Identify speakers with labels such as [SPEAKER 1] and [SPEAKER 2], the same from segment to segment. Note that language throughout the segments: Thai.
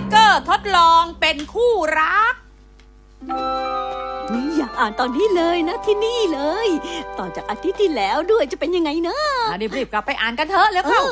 [SPEAKER 1] เกอร์ทดลองเป็นคู่รัก
[SPEAKER 2] อยากอ่านตอนนี้เลยนะที่นี่เลยต่อจากอาทิตย์ที่แล้วด้วยจะเป็นยังไงนะ
[SPEAKER 1] รีบกลับไปอ่านกันเถอะแล้วเข้า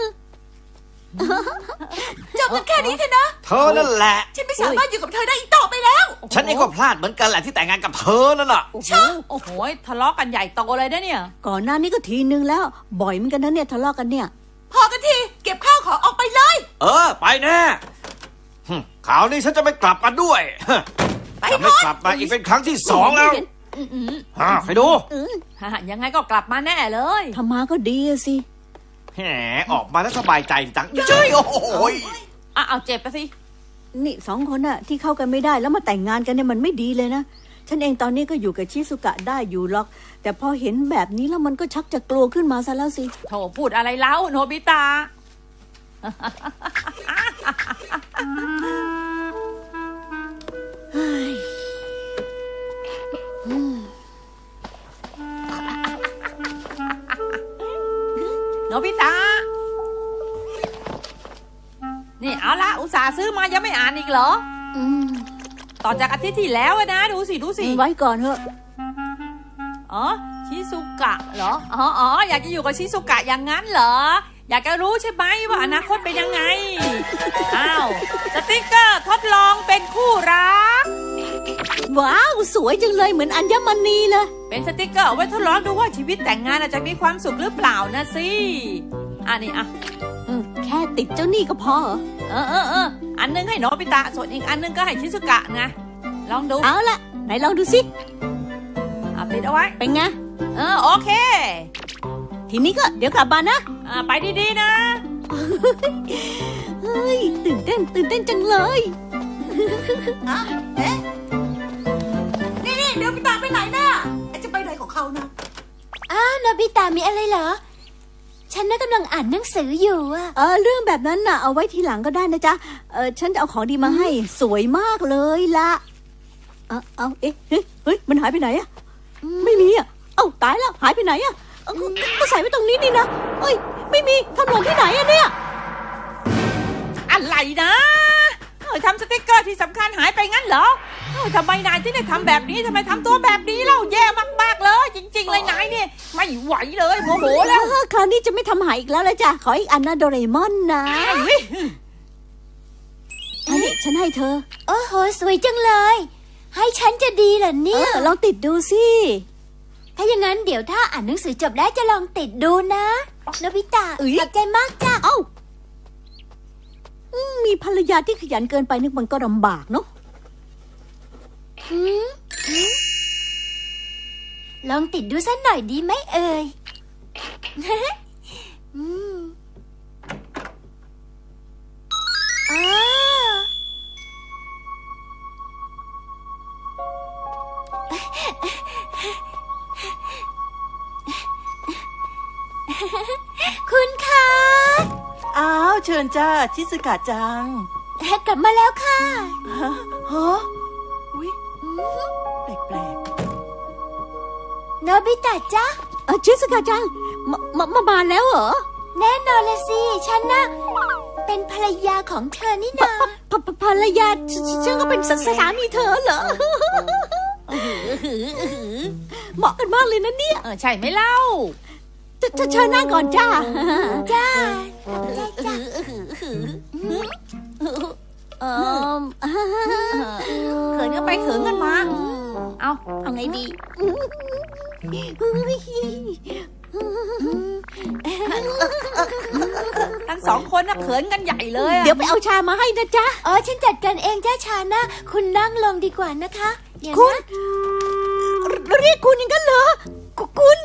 [SPEAKER 3] จบกันแค่นี้เถอะนะ
[SPEAKER 4] เธอนั่นแหละ
[SPEAKER 3] ฉันไม่สามารถอยู่กับเธอได้อีกต่อไปแล้ว
[SPEAKER 4] ฉันเองก็พลาดเหมือนกันแหละที่แต่งงานกับเธอนั่นแหละ
[SPEAKER 1] โอ้โหทะเลาะกันใหญ่โตเลยนะเนี่ย
[SPEAKER 2] ก่อนหน้านี้ก็ทีนึงแล้วบ่อยเหมือนกันนะเนี่ยทะเลาะกันเนี่ย
[SPEAKER 3] พอกันทีเก็บข้าวของออกไปเลย
[SPEAKER 4] ไปแน่ข่าวนี้ฉันจะไม่กลับมาด้วยจะไม่กลับมาอีกเป็นครั้งที่2แล้วไปดู
[SPEAKER 1] ยังไงก็กลับมาแน่เลย
[SPEAKER 2] ทำมาก็ดีสิ
[SPEAKER 4] แหมออกมาแล้วสบายใจจังเจ้ยโอ้โห
[SPEAKER 1] เอาเจ็บไปสิ
[SPEAKER 2] นี่2 คนน่ะที่เข้ากันไม่ได้แล้วมาแต่งงานกันเนี่ยมันไม่ดีเลยนะฉันเองตอนนี้ก็อยู่กับชิซุกะได้อยู่หรอกแต่พอเห็นแบบนี้แล้วมันก็ชักจะกลัวขึ้นมาซะแล้วสิ
[SPEAKER 1] โธ่พูดอะไรเล่าโนบิตะโนบิตะนี่เอาละอุตส่าห์ซื้อมายังไม่อ่านอีกเหรอต่อจากอาทิตย์ที่แล้วนะดูสิ
[SPEAKER 2] ไว้ก่อนเถอะ
[SPEAKER 1] ชิซุกะเหรออยากจะอยู่กับชิซุกะอย่างนั้นเหรออยากจะรู้ใช่ไหมว่าอนาคตเป็นยังไงสติ๊กเกอร์ทดลองเป็นคู่รัก
[SPEAKER 2] ว้าวสวยจังเลยเหมือนอัญมณีเลย
[SPEAKER 1] เป็นสติ๊กเกอร์เอาไว้ทดลองดูว่าชีวิตแต่งงานจะมีความสุขหรือเปล่านะสินี่
[SPEAKER 2] แค่ติดเจ้านี่ก็พอ
[SPEAKER 1] อันนึงให้โนบิตะส่วนอีกอันนึงก็ให้ชิซุกะไงลองดู
[SPEAKER 2] เอาละไหนลองดูสิ
[SPEAKER 1] ติดเอาไว้
[SPEAKER 2] เป็นไง
[SPEAKER 1] โอเค
[SPEAKER 2] ทีนี้ก็เดี๋ยวกลับบ้านนะ
[SPEAKER 1] ไปดีๆนะ
[SPEAKER 2] เฮ้ยตื่นเต้นจังเลย
[SPEAKER 3] นี่โนบิตะไปไหนน่ะจะไปไหนของเขานะ
[SPEAKER 5] โนบิตะมีอะไรเหรอฉันน่ะกำลังอ่านหนังสืออยู่
[SPEAKER 2] เรื่องแบบนั้นน่ะเอาไว้ทีหลังก็ได้นะจ๊ะฉันจะเอาของดีมาให้สวยมากเลยล่ะเฮ้ยมันหายไปไหนอะไม่มีอะตายแล้วหายไปไหนอะก็ใส่ไว้ตรงนี้นี่นะไม่มีทำหล่นที่ไหนอะเนี่ย
[SPEAKER 1] อะไรนะทำสติ๊กเกอร์ที่สำคัญหายไปงั้นเหรอทำไมนายที่ได้ทำแบบนี้ทำไมทำตัวแบบนี้เล่าแย่มากๆเลยจริงๆเลยนายเนี่ยไม่ไหวเลยโมโหแล้ว
[SPEAKER 2] คราวนี้จะไม่ทำหายอีกแล้วละจ้ะขออีกอันนะโดเรมอนนะอันนี้ฉันให้เธอ
[SPEAKER 5] โอ้โหสวยจังเลยให้ฉันจะดีเหรอเนี่ย
[SPEAKER 2] ลองติดดูสิ
[SPEAKER 5] ถ้าอย่างนั้นเดี๋ยวถ้าอ่านหนังสือจบแล้วจะลองติดดูนะโนบิตะขอบใจมากจ้ะ
[SPEAKER 2] มีภรรยาที่ขยันเกินไปนึกมันก็ลำบากเนาะ
[SPEAKER 5] ลองติดดูสักหน่อยดีไหมเอ่ยคุณคะ
[SPEAKER 3] เชิญจ้าชิซึกะจัง
[SPEAKER 5] กลับมาแล้วค่ะ
[SPEAKER 3] อุ๊ยแปลก
[SPEAKER 5] โนบิตะจ้ะ
[SPEAKER 2] ชิซึกะจังมาแล้วเหรอ
[SPEAKER 5] แน่นอนละสิฉันน่ะเป็นภรรยาของเธอนี่นา
[SPEAKER 2] ภรรยาฉันก็เป็นสามีเธอเหรอเหมาะกันมากเลยนะเนี่ย
[SPEAKER 1] ใช่ไหมเล่า
[SPEAKER 2] จะเชิญนั่งก่อนจ้า
[SPEAKER 5] จ้า
[SPEAKER 1] เขินกันไปเขินกันมาเอา
[SPEAKER 2] ไงดี
[SPEAKER 1] ทั้ง2 คนน่ะเขินกันใหญ่เลย
[SPEAKER 2] เดี๋ยวไปเอาชามาให้นะจ๊ะ
[SPEAKER 5] ฉันจัดการเองจ้าชานะคุณนั่งลงดีกว่านะคะ
[SPEAKER 2] คุณเรียกคุณอย่างนั้นเหรอคุณ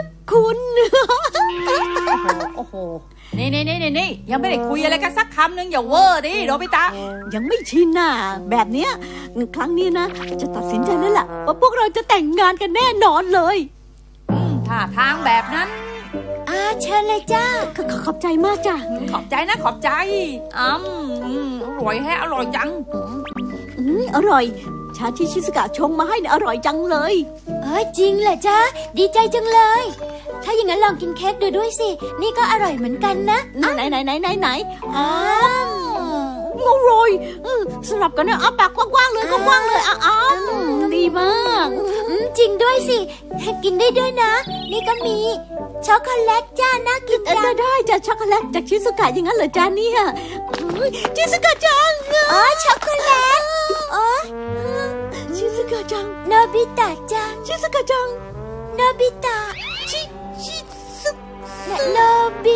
[SPEAKER 1] โอ้โหนี่ยังไม่ได้คุยอะไรกันสักคำนึงอย่าเวอร์ดิโนบิตะ
[SPEAKER 2] ยังไม่ชินน่ะแบบเนี้ยครั้งนี้นะจะตัดสินใจแล้วล่ะว่าพวกเราจะแต่งงานกันแน่นอนเลย
[SPEAKER 1] ถ้าทางแบบนั้น
[SPEAKER 5] เชิญเลยจ้า
[SPEAKER 2] ขอบใจมากจ้ะ
[SPEAKER 1] ขอบใจนะขอบใจอร่อยแฮะอร่อยจัง
[SPEAKER 2] อร่อยชาที่ชิสกะชงมาให้เนี่ยอร่อยจังเลย
[SPEAKER 5] จริงเหรอจ๊ะดีใจจังเลยถ้าอย่างนั้นลองกินเค้กดูด้วยสินี่ก็อร่อยเหมือนกันนะ
[SPEAKER 2] ไหนอร่อยสลับกันนะเอาปากกว้างๆเลยกว้างๆเลยอ้าวดีมาก
[SPEAKER 5] จริงด้วยสิ กินได้ด้วยนะ นี่ก็มีช็อกโกแลตจ้าน่ากินจัง
[SPEAKER 2] ได้จากช็อกโกแลตจากชิซุกะอย่างนั้นเหรอจ๊ะเนี่ยชิซุกะจัง
[SPEAKER 5] อ๋อช็อกโกแลตอ๋อ
[SPEAKER 2] ชิซุกะจัง
[SPEAKER 5] โนบิตะจัง
[SPEAKER 2] ชิซุกะจัง
[SPEAKER 5] โนบิตะชิซุโนบิ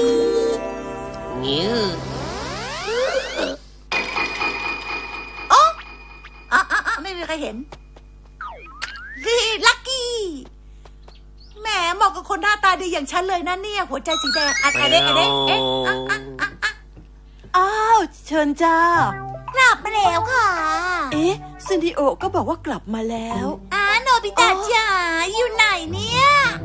[SPEAKER 3] ไม่มีใครเห็นนี่ลักกี้แหมเหมาะกับคนหน้าตาดีอย่างฉันเลยนะเนี่ยหัวใจสีแดงอะเด็กเอ๊ะ
[SPEAKER 6] อ้าวเชิญจ้าก
[SPEAKER 5] ลับมาแล้วค่ะ
[SPEAKER 6] เอ๊ะซินดิโอก็บอกว่ากลับมาแล้ว
[SPEAKER 5] โนบิตะจ๋าอยู่ไหนเนี่ย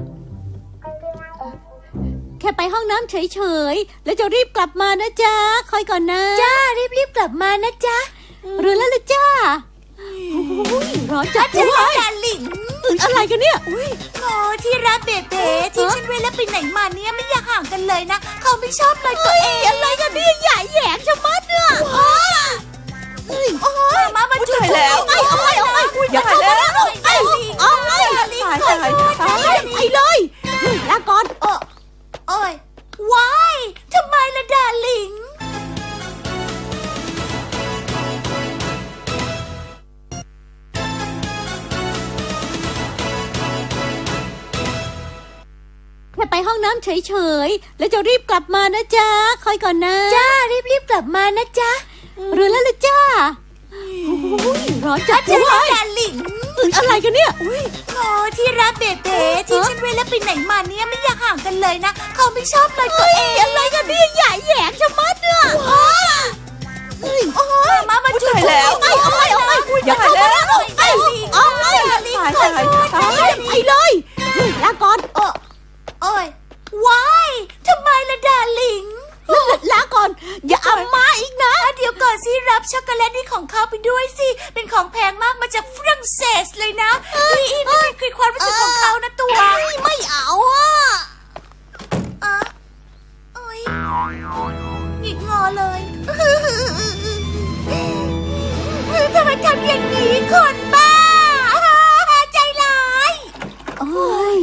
[SPEAKER 2] แค่ไปห้องน้ำเฉยๆแล้วจะรีบกลับมานะจ๊ะคอยก่อนนะ
[SPEAKER 5] จ้ารีบกลับมานะจ๊ะ
[SPEAKER 2] หรือแล้วล่ะจ้าร้อนจัด
[SPEAKER 5] จะ
[SPEAKER 2] เล
[SPEAKER 5] ได้
[SPEAKER 2] ย
[SPEAKER 5] ดาลิง
[SPEAKER 2] อะไรกันเนี่ย
[SPEAKER 5] โอ้ที่รักเบเบ้ที่ฉันไว้แล้วไปไหนมาเนี่ยไม่อยากห่างกันเลยนะเขาไม่ชอบเลยตัวเองอะไรกันเนี่ยใหญ่แหยงชะมัดเนี่ยโอ้ยมาบรรจุ
[SPEAKER 6] ตายแล้ว
[SPEAKER 2] เอาไปอย่าเข้ามาแล้วเอาไป
[SPEAKER 6] ตาย
[SPEAKER 2] ไปเลยลาก่อน
[SPEAKER 5] โอ้ยว้ายทำไมล่ะดาลิง
[SPEAKER 2] แค่ไปห้องน้ำเฉยๆแล้วจะรีบกลับมานะจ๊ะคอยก่อนนะ
[SPEAKER 5] จ้ารีบกลับมานะจ๊ะ
[SPEAKER 2] หรือแล้วล่ะจ้าร้อนจัด
[SPEAKER 5] จะ
[SPEAKER 2] เล
[SPEAKER 5] ได้
[SPEAKER 2] ย
[SPEAKER 5] ดาลิง
[SPEAKER 2] อะไรกันเนี่ย
[SPEAKER 5] โอ้ที่รักเบเบ้ที่ฉันไว้แล้วไปไหนมาเนี่ยไม่อยากห่างกันเลยนะเขาไม่ชอบเลยตัวเองอะไรกันเนี่ยใหญ่แหยงชะมัดเนี่ยโอ้ยมาบรรจุ
[SPEAKER 6] ตายแล้ว
[SPEAKER 2] อย่าเข้ามาแล้วไปเลยลาก่อน
[SPEAKER 5] โอ้ยว้ายทำไมล่ะดาลิง
[SPEAKER 2] ลาก่อนอย่าเอามาอีกนะ
[SPEAKER 5] เดี๋ยวก่อนสิรับช็อกโกแลตนี่ของเขาไปด้วยสิ เป็นของแพงมากมาจากฝรั่งเศสเลยนะนี่คือความรู้สึกของเขานะตัว
[SPEAKER 2] ไม่เอาอ่ะ
[SPEAKER 5] โอ้ยหงิกงอเลยทำไมทำอย่างนี้คนบ้าใจร้าย
[SPEAKER 2] โอ้ย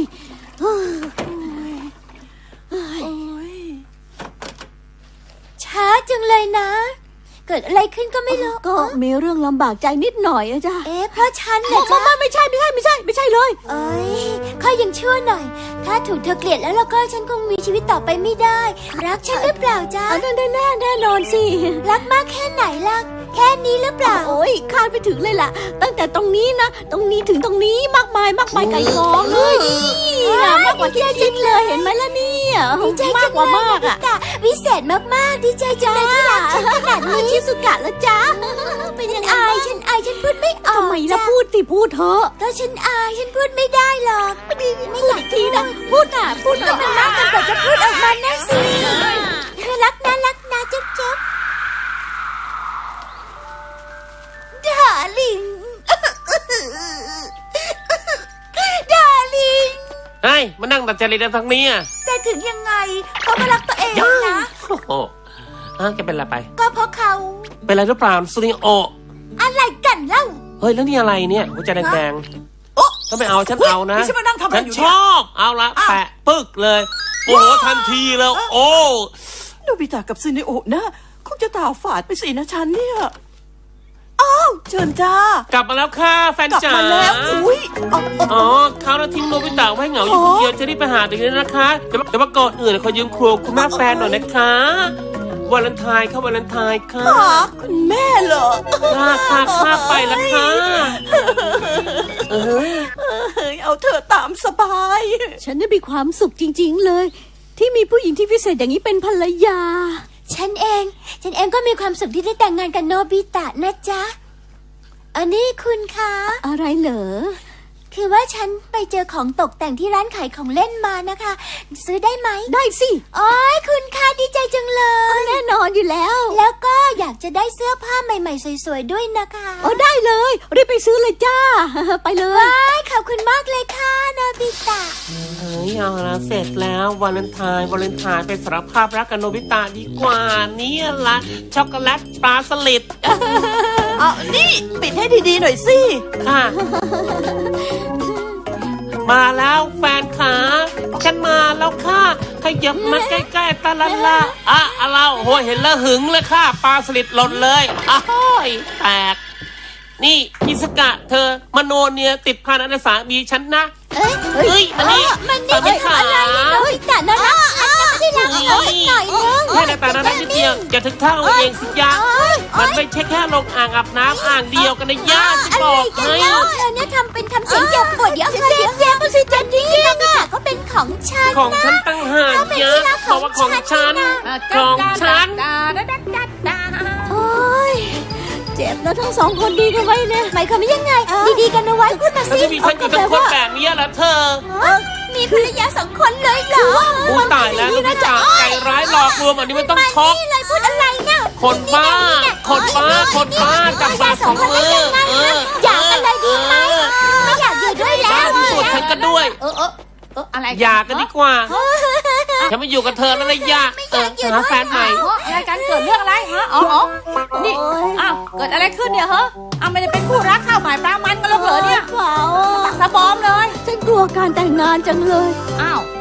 [SPEAKER 5] ช้าจังเลยนะ เกิดอะไรขึ้นก็ไม่รู้
[SPEAKER 2] ก็มีเรื่องลำบากใจนิดหน่อยอะจ้ะ
[SPEAKER 5] เพราะฉันเหรอจ๊ะ
[SPEAKER 2] ไม่ใช่เลย
[SPEAKER 5] เอ้ยค่อยยังชั่วหน่อย ถ้าถูกเธอเกลียดแล้วก็ฉันคงมีชีวิตต่อไปไม่ได้ รักฉันหรือเปล่าจ๊ะ
[SPEAKER 2] แน่นอนสิ
[SPEAKER 5] รักมากแค่ไหนล่ะ แค่นี้หรือเปล่า
[SPEAKER 2] โอ้ยคาดไปถึงเลยล่ะ ตั้งแต่ตรงนี้นะ ตรงนี้ถึงตรงนี้มากมายไก่กองเลยนี่มากกว่าที่คิดเลยเห็นไหมล่ะเนี่ย
[SPEAKER 5] ดีใจ
[SPEAKER 2] มา
[SPEAKER 5] จั
[SPEAKER 2] ก
[SPEAKER 5] ง
[SPEAKER 2] กว่า
[SPEAKER 5] เลย
[SPEAKER 2] มาก
[SPEAKER 5] นะ
[SPEAKER 2] อ่ะ
[SPEAKER 5] พี่ตาวิเศษมากๆดีใจจังเลยที่รักฉันขนาดนี้
[SPEAKER 2] ชิสุกะแล้วจ้าเป็นยังไง
[SPEAKER 5] ฉันอายฉันพูดไม่ออก
[SPEAKER 2] ทำไมล่ะ
[SPEAKER 5] จ้
[SPEAKER 2] พูดสิพูดเถอะ
[SPEAKER 5] ก็ฉันอายฉันพูดไม่ได้หรอก
[SPEAKER 2] ไม่อยากทีนะพูดหน่อย
[SPEAKER 5] มันมากจนกว่าจะพูดออกมานะสิรักนะจุ๊บดาลิง ดาลิง
[SPEAKER 7] เฮ้ยมานั่งตัดจริตทั้งนี้อ่ะ
[SPEAKER 3] แต่ถึงยังไงเขาก็รักตัวเองนะ
[SPEAKER 7] โอ้โหแกเป็นอะไรไป
[SPEAKER 3] ก็เพราะเขา
[SPEAKER 7] เป็นอะไรหรือเปล่าซูนิโอ
[SPEAKER 3] อะไรกันเล่า
[SPEAKER 7] เฮ้ยแล้วนี่อะไรเนี่ยหัวใจแดง
[SPEAKER 3] โอ๊ะ
[SPEAKER 7] ๆถ้าไม่เอาฉันเอานะ
[SPEAKER 3] นี่ฉันมานั่งทำอะไร
[SPEAKER 7] ฉัน
[SPEAKER 3] อยู่
[SPEAKER 7] ช
[SPEAKER 3] เนี่ย
[SPEAKER 7] อบเอาละแปะปึ๊กเลย โอ้โหทันทีเลยโอ้
[SPEAKER 6] โนบิตะกับซินดิโอนะคงจะตาฝาดไปสินะฉันเนี่ยอ้าวเชิญจ้าก
[SPEAKER 7] ลับมาแล้วค่ะแฟน
[SPEAKER 6] กลับ
[SPEAKER 7] จ๋า
[SPEAKER 6] มาแล้วอุ้ยเอา
[SPEAKER 7] อ๋อเขาเราทิ้งโนบิตะไว้เหงาอยู่คนเดียวจะรีบไปหาตัวเองนะคะแต่ว่าก่อนอื่นขอยืมครัวคุณแม่แฟนหน่อยนะคะวาเลนไทน์ค่ะวาเลนไทน์ค่ะ
[SPEAKER 6] หาคุณแม่เหรอ
[SPEAKER 7] ค่ะไปแล้วค่ะเอ้ย
[SPEAKER 6] เฮ้ยเอาเธอตามสบาย
[SPEAKER 2] ฉันได้มีความสุขจริงๆเลย ที่มีผู้หญิงที่พิเศษอย่างนี้เป็นภรรยา
[SPEAKER 5] ฉันเองก็มีความสุขที่ได้แต่งงานกับโนบิตะนะจ๊ะ อันนี้คุณคะ
[SPEAKER 2] อะไรเหรอ
[SPEAKER 5] คือว่าฉันไปเจอของตกแต่งที่ร้านขายของเล่นมานะคะ ซื้อได้ไหม
[SPEAKER 2] ได้สิ
[SPEAKER 5] โอ้ยคุณคะดีใจจังเลย
[SPEAKER 2] แน่นอนอยู่แล้ว
[SPEAKER 5] แล้วก็อยากจะได้เสื้อผ้าใหม่ๆสวยๆด้วยนะคะ
[SPEAKER 2] ได้เลยรีบไปซื้อเลยจ้า ไปเลย
[SPEAKER 5] ว้ายขอบคุณมากเลยค่ะโนบิตะ
[SPEAKER 7] เฮ้ยเอาละเสร็จแล้ววาเลนไทน์ไปสารภาพรักกับโนบิตะดีกว่าเนี่ยละช็อกโกแลตปลาสลิด
[SPEAKER 6] เอานี่ปิดให้ดีๆหน่อยสิ
[SPEAKER 7] ค่ะ มาแล้วแฟนขาฉันมาแล้วค่ะขยับมาใกล้ๆตาละละอ่ะเราโหเห็นแล้วหึงเลยค่ะปลาสลิดหล่นเลยอ้าวแตก นี่อิสกะเธอมโนเนี่ยติดพันอันสามีฉันนะ เฮ้ยมานี่
[SPEAKER 5] มันนี่
[SPEAKER 7] ไม่ขา
[SPEAKER 5] อะไรเนี่ยโนบิตะน่ารักฉันยังไม่ได้รักเขาสักหน่อยนึง
[SPEAKER 7] แค่ในตานั้นนิดเดียวอย่าถึงเท่าเองสิยะมันไม่ใช่แค่ลงอ่างอาบน้ำอ่างเดียวกันนะย่าจะบอกให้
[SPEAKER 5] เธอเนี่ยทำเสียงเจ็บปวดเดี๋ยวเจ็บมันสิเจ็บจริงๆอ่ะเขาเป็นของฉัน
[SPEAKER 7] ของฉันตั้งหากยะบอกว่าของฉันของฉัน
[SPEAKER 2] โอ้ยเจ็บแล้วทั้งสองคนดีกันไว้เนี่ย
[SPEAKER 5] หมายความว่ายังไง ดีๆกันเอาไว้พูดมา
[SPEAKER 7] แล้ว
[SPEAKER 5] สิ
[SPEAKER 7] จะมีฉันอยู่ทั้งคนแบบนี้เหรอเธอ
[SPEAKER 5] มีภรรยาสองคนเลยเหรอ
[SPEAKER 7] อู้ตายแล้วนะจ๊ะใจร้ายหลอกลวงอันนี้มันต้องช็อก
[SPEAKER 5] นี่เลยพูดอะไรเนี่ย
[SPEAKER 7] คนบ้าจับมาสองมือ
[SPEAKER 5] อยากกันเลยดีไหมไม่อยากอยู่ด้วยแล้
[SPEAKER 7] บ้าว ที่สุดฉันก็ด้วย
[SPEAKER 1] อะไร
[SPEAKER 7] อย่ากันดีกว่าฉันไม่อยู่กับเธอแล้วนะย่าหาแฟนใหม่
[SPEAKER 1] อะไรกันเกิดเรื่องอะไรฮะอ๋อนี่อ้าวเกิดอะไรขึ้นเนี่ยฮะอ้าวไม่ได้เป็นคู่รักข้าวหมายปลามันกันแล้วเหรอเนี่ย
[SPEAKER 2] เปล่า
[SPEAKER 1] สะบอมเลย
[SPEAKER 2] ฉันกลัวการแต่งงานจังเลย
[SPEAKER 1] อ้าว